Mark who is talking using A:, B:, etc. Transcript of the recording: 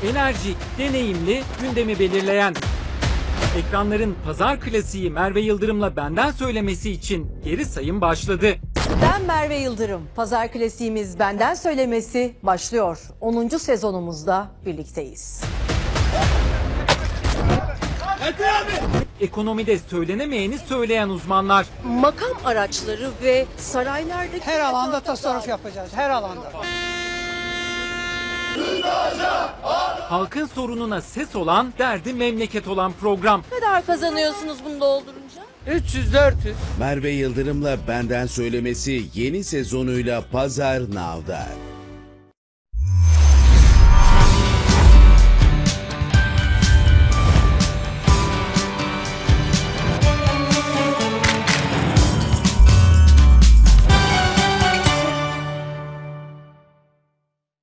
A: Enerjik, deneyimli, gündemi belirleyen. Ekranların pazar klasiği Merve Yıldırım'la Benden Söylemesi için geri sayım başladı.
B: Ben Merve Yıldırım. Pazar klasiğimiz Benden Söylemesi başlıyor. 10. sezonumuzda birlikteyiz.
A: Ekonomide söylenemeyeni söyleyen uzmanlar.
B: Makam araçları ve saraylardaki...
C: Her alanda tasarruf yapacağız, her alanda.
A: Halkın sorununa ses olan, derdi memleket olan program.
B: Ne kadar kazanıyorsunuz bunu doldurunca?
C: 300-400.
D: Merve Yıldırım'la Benden Söylemesi yeni sezonuyla Pazar Now'da.